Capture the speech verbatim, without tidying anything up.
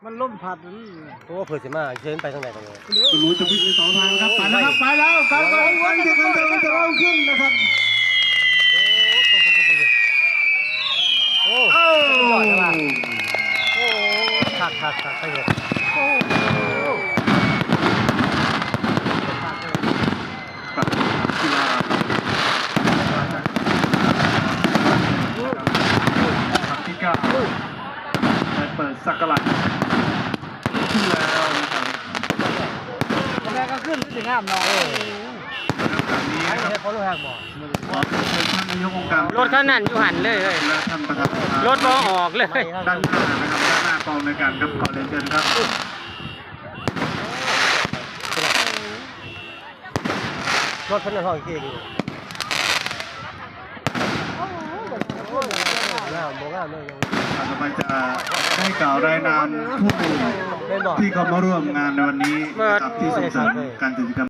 มันล่มพัดนี่โอ้เผื่อสิมาเชิญไปทางไหนกันเลยคุณรู้จะวิ่งในสองทางครับไปแล้วครับไปแล้วการไปวันที่กันจะจะเริ่มขึ้นนะครับโอ้โอ้ยอดเลยว่ะโอ้ขาดขาดขาดไปเลยโอ้กีฬาครับที่เก้าได้เปิดสักการะขึ้นแล้วนะครับแม่ก็ขึ้นถึงงามเนาะแบบนี้ให้นะครับให้เขาลูกแหกบ่ขอเชิญท่านนายกองค์การรถเขานั่นอยู่หันเลยเลยและท่านประธานรถบ่ออกเลยด้านหน้านะครับด้านหน้ากองในการครับขอเรียนเชิญครับรถพันธุ์ห้องกี่กิโลงามบ่งามเลยยังต่อไปจะได้กล่าวรายนามผู้เป็นบ่ที่เขามาร่วมงานในวันนี้นะครับที่ส่งเสริมการจัดกิจกรรม